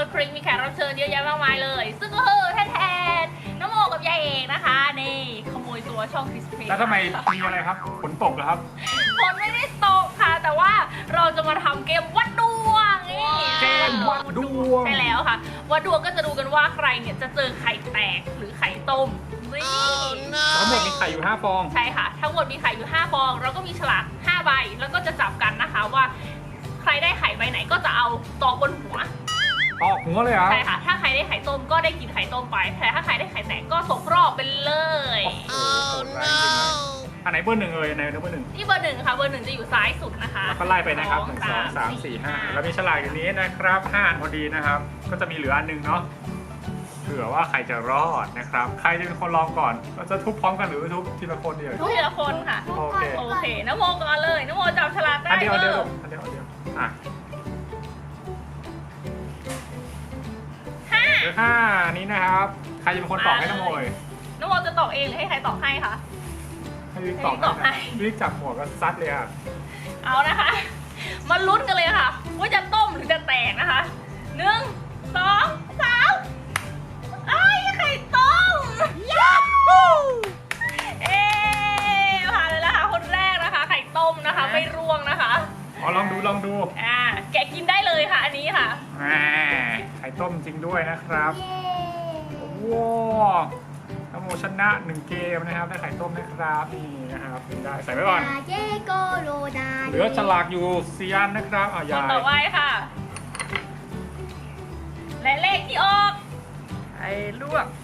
พริกมีแขกรับเชิญเยอะแยะมากมายเลยซึ่งก็คือแทนน้องโมกับยายเอกนะคะนี่ขโมยตัวช่องคริสเพลแล้วทำไมมีอะไรครับฝนตกเหรอครับฝนไม่ได้ตกค่ะ แต่ว่าเราจะมาทำเกมวัดดวงนี่เกมวัดดวงใช่แล้วค่ะวัดดวงก็จะดูกันว่าใครเนี่ยจะเจอไข่แตกหรือไข่ต้มนี่ทั้งหมดมีไข่อยู่5ฟองใช่ค่ะ ทั้งหมดมีไข่อยู่5ฟองเราก็มีฉลาก5ใบแล้วก็จะจับกันนะคะว่าใครได้ไข่ใบไหนก็จะเอาตอกบนหัวออกหัวเลยเหรอใช่ค่ะ ถ้าใครได้ไข่ต้มก็ได้กินไข่ต้มไป แต่ถ้าใครได้ไข่แตกก็ตกรอบไปเลยโอ้โหโหดร้ายจริงเลยอันไหนเบอร์หนึ่งเอ่ยอันไหนเบอร์หนึ่งที่เบอร์หนึ่งค่ะ เบอร์หนึ่งจะอยู่ซ้ายสุดนะคะแล้วก็ไล่ไปนะครับ1 2 3 4 5แล้วมีฉลากอย่างนี้นะครับ5อันพอดีนะครับ ก็จะมีเหลืออันหนึงเนาะเผื่อว่าใครจะรอดนะครับ ใครจะเป็นคนลองก่อนเราจะทุบพร้อมกันหรือทุบทีละคนเดียวทุกทีละคนค่ะโอเคโอเคน้ำโมก่อนเลยน้ำโมจับฉลากได้อันเดียวอันเดียวเอออันเดียวอันเดียวอ่ะห้าเหลือ5นี้นะครับ ใครจะเป็นคนตอกให้น้ำโมยน้ำโมจะตอกเองหรือให้ใครตอกให้คะให้วิกตอกให้วิกตอกให้ให้วิกจับหมวกก็ซัดเลยอ่ะเอานะคะ มาลุ้นกันเลยค่ะว่าจะต้มหรือจะแตกนะคะ1 2 3ไอ้ยไข่ต้มย้าฮูเอ๊ผ่านเลยนะคะคนแรกนะคะ ไข่ต้มนะคะไม่ร่วงนะคะอ๋อลองดูลองดูแกะกินได้เลยค่ะอันนี้ค่ะแหมไข่ต้มจริงด้วยนะครับเย้ว้าวน้ำโมชนะ1 เกมนะครับได้ไข่ต้มนะครับนี่นะครับได้ใส่ไว้ก่อนดาเจโกโรดาเหลือฉลากอยู่4 อันนะครับเอาคนยายต่อไปค่ะ และเลขที่ออกไข่ลวก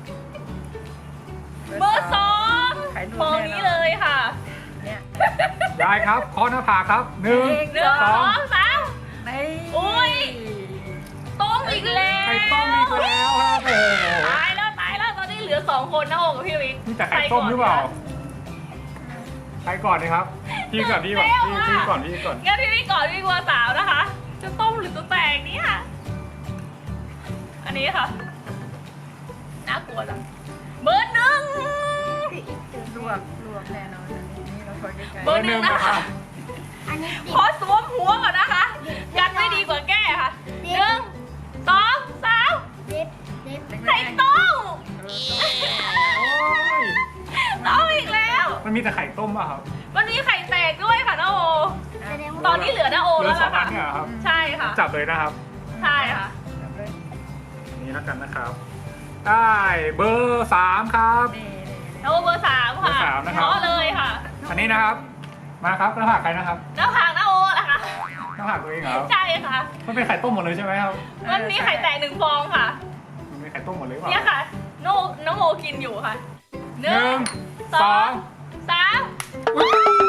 เบอร์สองไข่ลวกฟองนี้เลยค่ะเนี่ยยายครับเคอหน้าผากครับ1 หนึ่ง 2 สองสามนี่อุ๊ย ต้มอีกแล้วไข่ต้มอีกแล้วครับโอ้โหตายแล้วตอนนี้เหลือ2 คนนะโอกับพี่วิกนี่แต่ไข่ต้มหรือเปล่าใครก่อนดีครับพี่ก่อนพี่ก่อนพี่ก่อนพี่ก่อนงั้นพี่วิกก่อนพี่กลัวสาวนะคะ จะต้มหรือจะแตกเนี่ยอันนี้ค่ะน่ากลัวจังเบอร์หนึ่งลวกแน่นอนอันนี้เราคอยใกล้เบอร์หนึ่งนะคะอันนี้ติขอสวมหัวก่อนนะคะยันไม่ดีกว่าแก้ค่ะ1 2 3 เด็บเด็บไข่ต้มโอ้ยต้มอีกแล้วมันมีแต่ไข่ต้มป่ะครับมันมีไข่แตกด้วยค่ะน้าโอแสดงตอว่านนี้เหลือน้าโอเหลืแล้อว 2 ล่ะอัค่ะนเนี่ยเหรอครับใช่ค่ะจับเลยนะครับใช่ค่ะจับเลยนี่แล้วกันนะครับ ได้เบอร์ 3 ครับนี่น้าโอเบอร์ 3 ค่ะเบอร์สามนะครับเพราะเลยค่ะอันนี้นะครับ มาครับหน้าผากใครนะครับหน้าผากน้าโอล่ะค่ะหน้าผากตัวเองเหรอใช่ค่ะมันเป็นไข่ต้มหมดเลยใช่ไหมครับมันมีไข่แตก1 ฟองค่ะมันเป็นไข่ต้มหมดเลยหรือเปล่าเนี่ยค่ะน้องโมกินอยู่ค่ะ1 1 2 3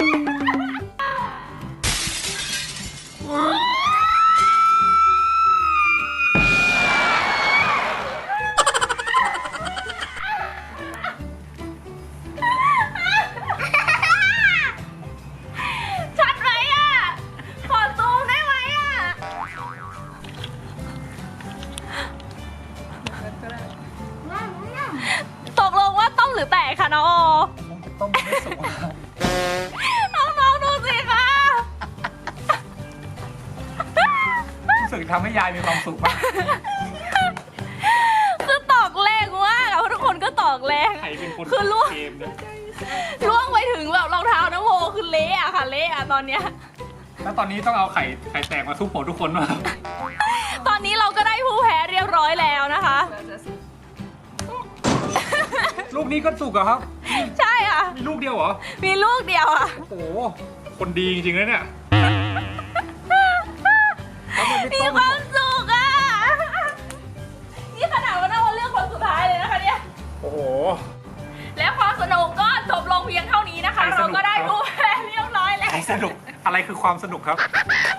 ชัดไหมอ่ะ ขอซูมได้ไหมอ่ะก็ได้ว้าวว้าวตกลงว่าต้มหรือแตกคะน้องโอต้มไม่สุกน้องๆดูสิคะรู้สึกทำให้ยายมีความสุขมากคือตอกแรงมากอะเพราะทุกคนก็ตอกแรงใครเป็นคนคือล่วงเกมเนี่ยล่วงไปถึงแบบรองเท้าน้ำโมคือเละอะค่ะเละอะตอนเนี้ยแล้วตอนนี้ต้องเอาไข่แตกมาทุบหัวทุกคนมาตอนนี้เราก็ได้ผู้แพ้เรียบร้อยแล้วนะคะเราจะสุกลูกนี้ก็สุกเหรอครับใช่ค่ะมีลูกเดียวเหรอมีลูกเดียวอะโอ้โห คนดีจริงๆเลยเนี่ยแล้วมันไม่มีต้มความสุขอะนี่ขนาดว่าน้ำโมเลือกคนสุดท้ายเลยนะคะเนี่ยโอ้โหและความสนุกก็จบลงเพียงเท่านี้นะคะใครสนุกเราก็ได้ผู้แพ้เรียบร้อยแล้วอะไรสนุก อะไรคือความสนุกครับ